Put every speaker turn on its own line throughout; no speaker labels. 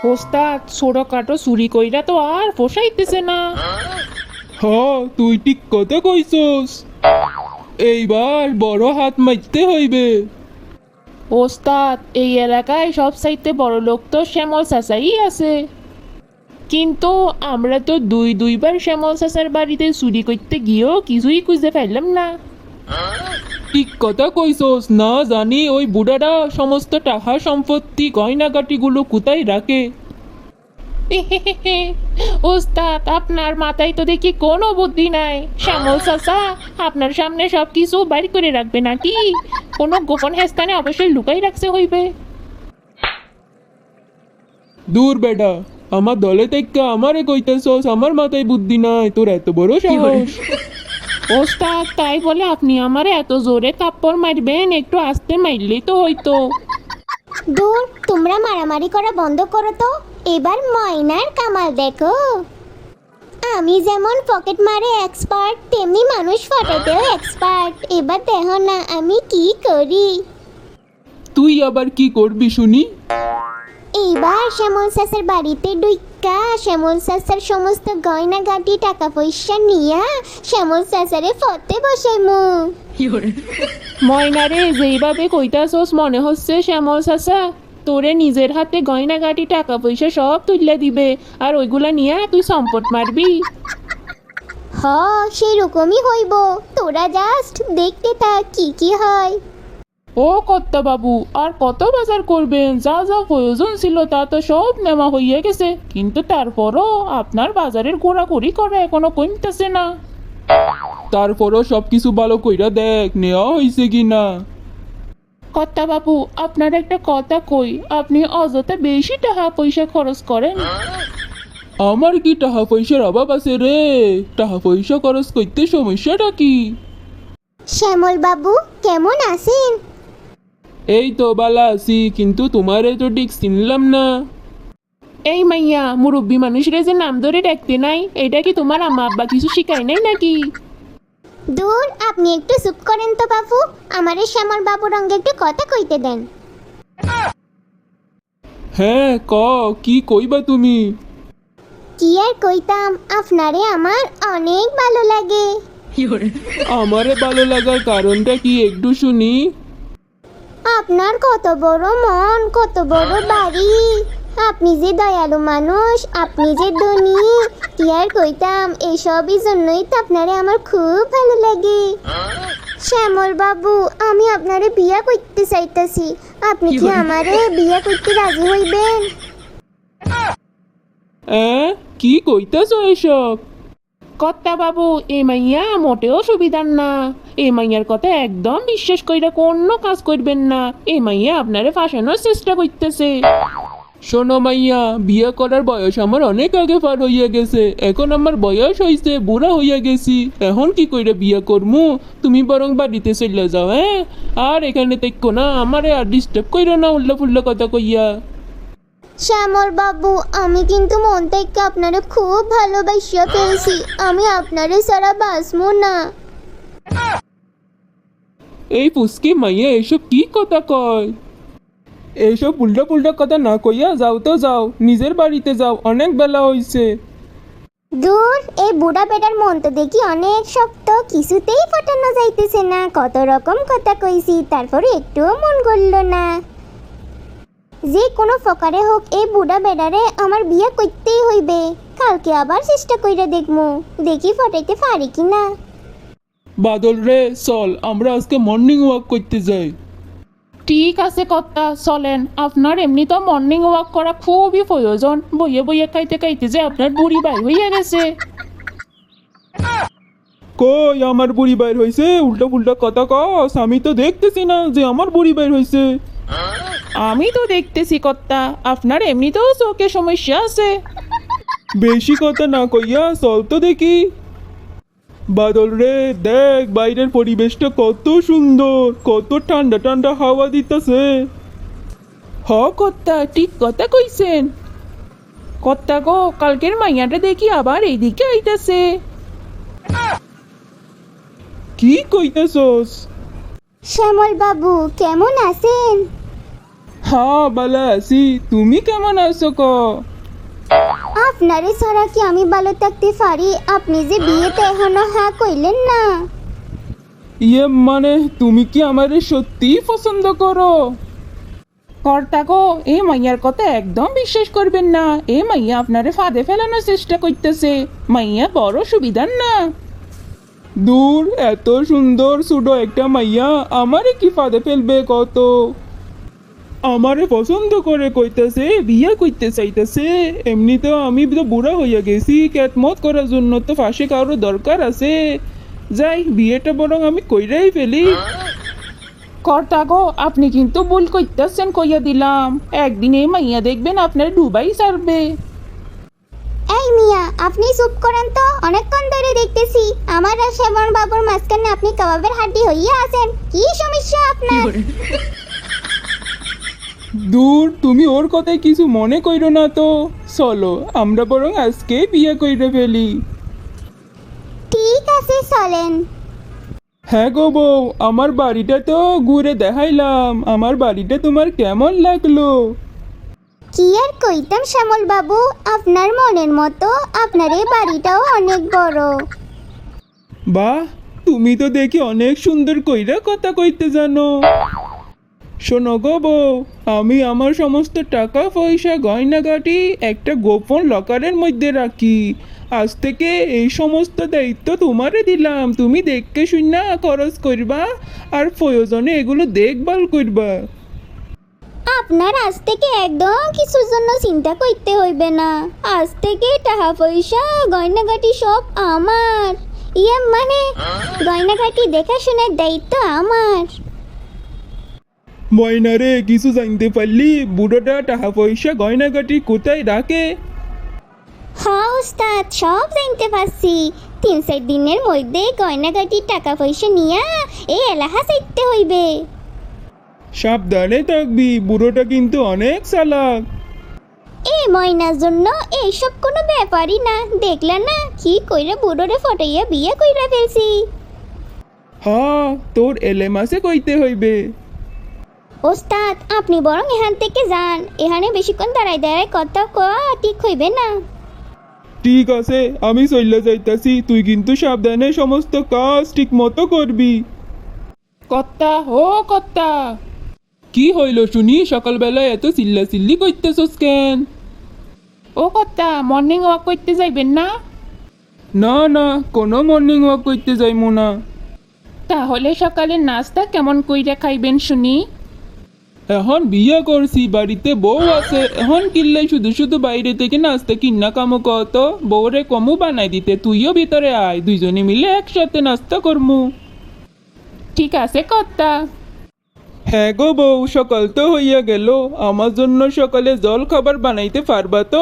ওস্তাদ ছোটখাটো চুরি কইরা তো আর পোষাইতেছে না।
তুই ঠিক কথা কইছস, এইবার বড় হাত মারতে হইবে।
ওস্তাদ এই এলাকায় সব চাইতে বড় লোক তো শ্যামল চাচাই আছে, কিন্তু আমরা তো দুইবার শ্যামল চাচার বাড়িতে চুরি করতে গিয়েও কিছুই খুঁজে পাইলাম না।
ঠিক কথা কইছস, না জানি ওই বুড়াটা সমস্ত টাকা সম্পত্তি গয়নাগাটিগুলো কোথায় রাখে।
ওস্তাদ আপনার মাথায় তো দেখি কোনো বুদ্ধি নাই। শ্যামল চাচা আপনার সামনে সব কিছু বাড়ি করে রাখবে নাকি কোনো গোপন স্থানে অবশ্যই লুকাই রাখতে হইবে।
দূর বেটা, আমার দলে থেকে আমারে কইতেছস আমার মাথায় বুদ্ধি নাই, তোর এত বড় সাহস।
ওস্তাদ তাই বলে আপনি আমারে এত জোরে থাপ্পড় মারবেন? একটু আস্তে মারলেই তো হইতো।
দূর, তোমরা মারামারি করা বন্ধ করো তো, এবার ময়নার কামাল দেখো। আমি যেমন পকেট মারে এক্সপার্ট, তেমনি মানুষ ফাটাতেও এক্সপার্ট। এবার দেখো না আমি কি করি।
তুই আবার কি করবি শুনি?
এইবার শ্যামল চাচার বাড়িতে ডুইকা শ্যামল চাচার সমস্ত গয়নাগাটি টাকা পয়সা নিয়া শ্যামল চাচারে ফতে বসাইমু।
ময়নারে যেইভাবে কইতাছস মনে হচ্ছে শ্যামল চাচা তোরে নিজের হাতে গয়নাগাটি টাকা পয়সা সব তুলে দিবে, আর ওইগুলা নিয়ে তুই সম্পদ মারবি।
হ, সেই রকমই হইব। তোরা জাস্ট দেখতে থাক কি কি হয়।
ও কর্তা বাবু, আর কত বাজার করবেন? যা যা প্রয়োজন ছিল তা তো সব নেওয়া হইয়া গেছে, কিন্তু তারপরও আপনার বাজারের ঘোরাঘুরি করা এখনো কমতেছে না।
তারপরও সবকিছু ভালো কইরা দেখ নেওয়া হইছে কি না।
কর্তা বাবু আপনার একটা কথা কই, আপনি অযথা বেশি টাকা পয়সা খরচ করেন।
আমার কি টাকা পয়সার অভাব আছে রে? টাকা পয়সা খরচ করতে সমস্যাটা কি?
শ্যামল বাবু কেমন আছেন?
এই তো বালা আছি, কিন্তু তোমারে তো ঠিক চিনলাম না।
এই মাইয়া, মুরব্বী মানুষরে যে নাম ধরে ডাকতে নাই, এটা কি তোমার আম্মা আব্বা কিছু শিখায় নাই নাকি?
দূর, আপনি একটু চুপ করেন তো বাবু। আমারে শ্যামল বাবুর রঙে একটু কথা কইতে দেন।
হ্যাঁ কি কইবা তুমি?
কি আর কইতাম, আপনারে আমার অনেক ভালো লাগে।
আমারে ভালো লাগার কারণটা কি একটু শুনি।
আপনার কত বড় মন, কত বড় বাড়ি, আপনি যে দয়ালু মানুষ, আপনি যে ধনী, কি আর কইতাম, এইসবই জন্যই তো আপনারে আমার খুব ভালো লাগে। শ্যামল বাবু, আমি আপনারে বিয়া করতে চাইতাছি, আপনি কি আমারে বিয়া করতে রাজি হইবেন?
কি কইতাছ এসব?
কর্তা বাবু এই মাইয়া মোটেও সুবিধার না। এই মাইয়ার কথা একদম বিশ্বাস কইরা কোনো কাজ করবেন না। এই মাইয়া আপনারে ফাঁসানোর চেষ্টা করতেছে।
শোনো মাইয়া, বিয়ে করার বয়স আমার অনেক আগে পার হইয়া গেছে। এখন আমার বয়স হইছে, বুড়া হইয়া গেছি। এখন কি কইরা বিয়ে করমু? তুমি বরং বাড়িতে চলে যাও। আর এখানে দেখো না, আমারে আর ডিস্টার্ব কইরো না উল্লা ফুল্লা কথা কইয়া।
শ্যামল বাবু, আমি কিন্তু মন থেকে আপনারে খুব ভালোবাসিয়া ফেলছি, আমি আপনারে ছাড়া বাঁচবো না।
এই পুস্কি মাইয়া এসব কি কথা কয়? এইসব উল্টা পুল্টা কথা না কইয়া যাও তো যাও, নিজের বাড়িতে যাও, অনেক বেলা হইছে।
দূর, এই বুড়া বেটার মন তো দেখি অনেক শক্ত, কিছুতেই ফটানো যাইতেছে না। কত রকম কথা কইছি, তারপরে একটুও মন গড়ল না। যে কোনো ফকারে হোক এই বুড়া বেটারে আমার বিয়ে করতেই হইবে। কালকে আবার চেষ্টা কইরা দেখমু, দেখি ফটাইতে পারি কিনা।
বাদল রে, চল আমরা আজকে মর্নিং ওয়াক করতে যাই।
ঠিক আছে কর্তা, চলেন। আপনার এমনি তো মর্নিং ওয়াক করা খুবই প্রয়োজন। বইয়ে বইয়ে খাইতে খাইতে যে আপনার বুড়ি বাই হইয়া গেছে।
কই আমার বুড়ি বাইর হইছে? উল্টা পুল্টা কথা কস, আমি তো দেখতেছি না যে আমার বুড়ি বাইর হইছে।
আমি তো দেখতেছি কর্তা, আপনার এমনিতেও চোখে সমস্যা আছে।
বেশি কথা না কইয়া চল তো দেখি। বাদল রে, দেখ বাইরের পরিবেশটা কত সুন্দর, কত ঠান্ডা ঠান্ডা হাওয়া দিতেছে।
কর্তা ঠিক কথা কইছেন। কর্তা গো, কালকের মাইয়াটা দেখি আবার এইদিকে আইতাছে।
কি কইতেছস?
শ্যামল বাবু কেমন আছেন?
হ্যাঁ বালা আছি, তুমি কেমন আছো ক?
আপনারে ছাড়া কি আমি ভালো থাকতে পারি? আপনি যে বিয়েতে এখনো হ্যাঁ কইলেন না।
ইয়ে মানে তুমি কি আমারে সত্যি পছন্দ করো?
কর্তা গো, এই মাইয়ার কথা একদম বিশ্বাস করবেন না। এই মাইয়া আপনারে ফাঁদে ফেলানোর চেষ্টা করতেছে। মাইয়া বড় সুবিধার না।
দূর, এত সুন্দর সুডো একটা মাইয়া আমারে কি ফাঁদে ফেলবে কত? আমারে পছন্দ করে কইতেছে, বিয়ে করতে চাইতেছে। এমনিতেও আমি তো বুড়া হইয়া গেছি, ক্যাটমত করার জন্য তো ফাঁসে কারো দরকার আছে। যাই, বিয়েটা বরং আমি কইরাই ফেলি।
কর্তা গো, আপনি কিন্তু ভুল করতেছেন কইয়া দিলাম। একদিন এই মাইয়া দেখবেন আপনার ডুবাই ছাড়বে।
এই মিয়া, আপনি চুপ করেন তো। অনেকক্ষণ ধরে দেখতেছি আমার আর শ্যামল বাবুর মাঝখানে আপনি কাবাবের হাড্ডি হইয়া আছেন। কি সমস্যা আপনার?
দূর, তুমি ওর কথায় কিছু মনে কইরো না তো। চলো আমরা বরং আজকে বিয়ে কইরে ফেলি।
ঠিক আছে, চলেন।
হ্যাঁ গো বউ, আমার বাড়িটা তো ঘুরে দেখাইলাম। আমার বাড়িটা তোমার কেমন লাগলো?
কি আর কইতাম শ্যামল বাবু, আপনার মনের মতো আপনার এই বাড়িটাও অনেক বড়।
বাহ, তুমি তো দেখি অনেক সুন্দর কইরা কথা কইতে জানো। শোনো গো বউ, আমি আমার সমস্ত টাকা পয়সা গয়নাগাটি একটা গোপন লকারের মধ্যে রাখি। আজ থেকে এই সমস্ত দায়িত্ব তোমারে দিলাম। তুমি দেখকে শুনা খরচ করবা আর প্রয়োজনে এগুলো দেখভাল করবা।
আপনার আজ থেকে একদম কিছুর জন্য চিন্তা করতে হইবে না। আজ থেকে টাকা পয়সা গয়নাগাটি সব আমার। ইয়ে মানে গয়নাগাটি দেখাশোনার দায়িত্ব আমার।
ময়নারে, কিছু জানতে পারলি বুড়োটা টাকা পয়সা গয়নাগাটি কোথায় রাখে?
হ্যাঁ ওস্তাদ, সব জানতে পারছি। 3-4 দিনের মধ্যে গয়নাগাটি টাকা পয়সা নিয়ে এই এলাকা চাইতে হইবে।
সাবধানে থাকবি, বুড়োটা কিন্তু অনেক চালাক।
এই ময়নার জন্য এইসব কোনো ব্যাপারই না। দেখলা না কি কইরা বুড়োরে ফটাইয়া বিয়ে কইরা ফেলছি।
হ্যাঁ, তোর এলেমাসে কইতে হইবে।
ওস্তাদ, আপনি বরং এখান থেকে যান। এখানে বেশিক্ষণ দাঁড়ায় দাঁড়ায় কথা কওয়া ঠিক হইবে না।
ঠিক আছে, আমি চইলা যাইতাছি। তুই কিন্তু সাবধানে সমস্ত কাজ ঠিক মতো করবি।
কর্তা, ও কর্তা।
কি হইল শুনি? সকালবেলায় এত চিল্লাচিল্লি করতেছস কেন?
ও কর্তা, মর্নিং ওয়াক করতে যাইবেন না?
না না, কোনো মর্নিং ওয়াক করতে যাইমু না।
তাহলে সকালে নাস্তা কেমন কইরা খাইবেন শুনি?
এখন বিয়ে করছি, বাড়িতে বউ আছে। এখন কিনলে শুধু শুধু বাইরে থেকে নাস্তা কিনা কামো কত? বউরে কমু বানাই দিতে। তুইও ভিতরে আয়, দুইজনে মিলে একসাথে নাস্তা করমু।
ঠিক আছে কর্তা।
হ্যাঁ গো বউ, সকাল তো হইয়া গেল। আমার জন্য সকালে জল খাবার বানাইতে পারবা তো?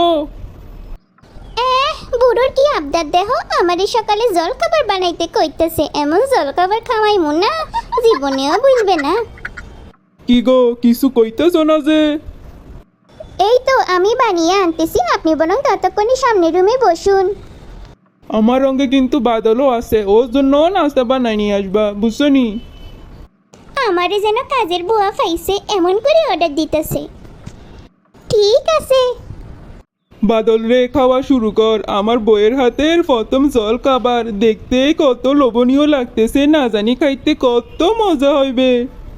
বুড়োর কি আবদার দেহ, আমারই সকালে জল খাবার বানাইতে কইতেছে। এমন জল খাবার খাওয়াইমু না, জীবনেও বুঝবে না।
কি গো, কিছু কইতেছ না যে?
এই তো আমি বানিয়ে আনতেছি, আপনি বরং ততক্ষণে সামনের রুমে বসুন।
আমার রঙে কিন্তু বাদলও আছে, ওর জন্য নাস্তা বানাই নিয়ে আসবা, বুঝছো নি?
আমারে যেন কাজের বুয়া পাইছে এমন করে অর্ডার দিতেছে। ঠিক আছে।
বাদল রে, খাওয়া শুরু কর। আমার বইয়ের হাতের প্রথম জল খাবার দেখতে কত লোভনীয় লাগতেছে, না জানি খাইতে কত মজা হইবে।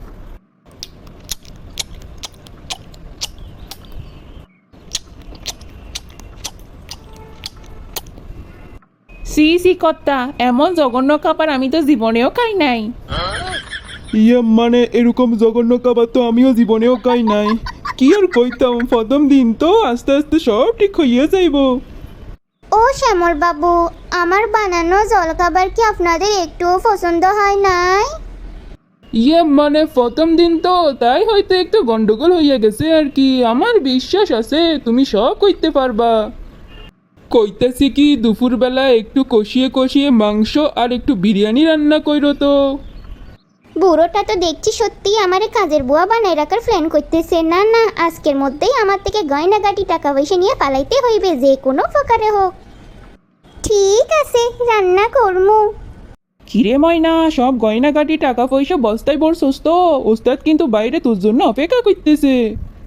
সি সি কর্তা, এমন জঘন্য খাবার আমি তো জীবনেও খাই নাই।
ইয়ে মানে এরকম জঘন্য খাবার তো আমিও জীবনেও খাই নাই। কি আর কইতাম, প্রথম দিন তো, আস্তে আস্তে সব ঠিক হইয়া যাইব।
ও শ্যামল বাবু, আমার বানানো জলখাবার কি আপনাদের একটুও পছন্দ হয় নাই?
ইয়ে মানে প্রথম দিন তো, তাই হয়তো একটু গন্ডগোল হইয়া গেছে আর কি। আমার বিশ্বাস আছে তুমি সব কইতে পারবা। কইতেছি কি, দুপুরবেলা একটু কষিয়ে কষিয়ে মাংস আর একটু বিরিয়ানি রান্না কইরো তো।
বুড়োটা তো দেখছি সত্যি আমারে কাজের বুয়া বানায় রাখার প্ল্যান করতেছে। না না, আজকের মধ্যেই আমার থেকে গয়নাগাটি টাকা পয়সা নিয়ে পালাইতে হইবে, যে কোনো প্রকারে হোক। ঠিক আছে, রান্না করমু।
কিরে ময়না, সব গয়নাগাটি টাকা পয়সা বস্তায় ভরছস তো? ওস্তাদ কিন্তু বাইরে তোর জন্য অপেক্ষা করতেছে।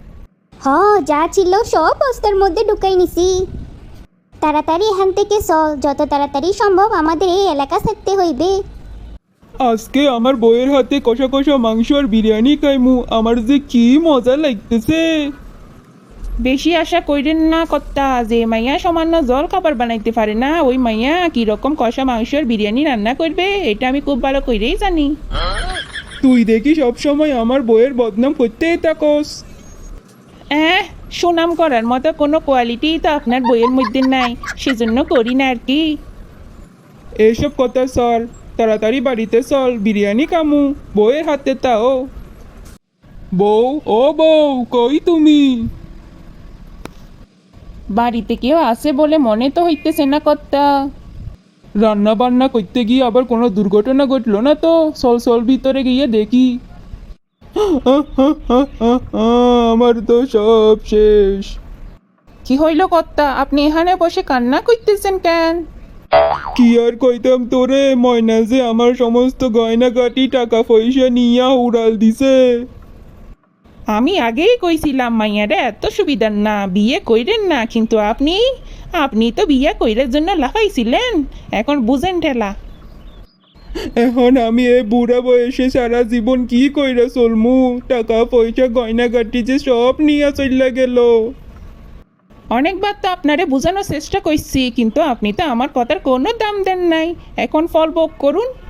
যা ছিল সব বস্তার মধ্যে ঢুকাই নিছি। তাড়াতাড়ি এখান থেকে চল, যত তাড়াতাড়ি সম্ভব আমাদের এই এলাকা ছাড়তে হইবে।
আজকে আমার বউয়ের হাতে কষা কষা মাংস আর বিরিয়ানি খাইমু, আমার যে কি মজা লাগতেছে।
বেশি আশা কইরেন না কর্তা, যে মাইয়া সামান্য জল খাবার বানাইতে পারে না ওই মাইয়া কিরকম কষা মাংস আর বিরিয়ানি রান্না করবে এটা আমি খুব ভালো কইরেই জানি।
তুই দেখি সবসময় আমার বউয়ের বদনাম করতেই থাকস।
সুনাম করার মতো কোনো কোয়ালিটি তো আপনার বইয়ের মধ্যে নাই, সেজন্য করি না আর কি।
এইসব কথা সর, তাড়াতাড়ি বাড়িতে চল, বিরিয়ানি খামু বউয়ের হাতে। তাও বউ, ও বউ, কই তুমি?
বাড়িতে কেউ আছে বলে মনে তো হইতেছে না কর্তা।
রান্না বান্না করতে গিয়ে আবার কোনো দুর্ঘটনা ঘটলো না তো? চল চল ভিতরে গিয়ে দেখি। আমার তো সব শেষ।
কি হইল কর্তা, আপনি এখানে বসে কান্না করতেছেন কেন?
কি আর কইতাম তোরে, ময়না যে আমার সমস্ত গয়নাগাটি টাকা পয়সা নিয়া উড়াল দিছে।
আমি আগেই কইছিলাম মাইয়ারা এত সুবিধার না, বিয়ে কইরেন না, কিন্তু আপনি তো বিয়ে কইরার জন্য লাফাইছিলেন, এখন বুঝেন ঠেলা।
এখন আমি এই বুড়া বয়সে সারা জীবন কি কইরা চলমু? টাকা পয়সা গয়নাগাটি যে সব নিয়া চইলা গেল।
অনেকবার তো আপনারে বোঝানোর চেষ্টা করছি, কিন্তু আপনি তো আমার কথার কোনো দাম দেন নাই। এখন ফল ভোগ করুন।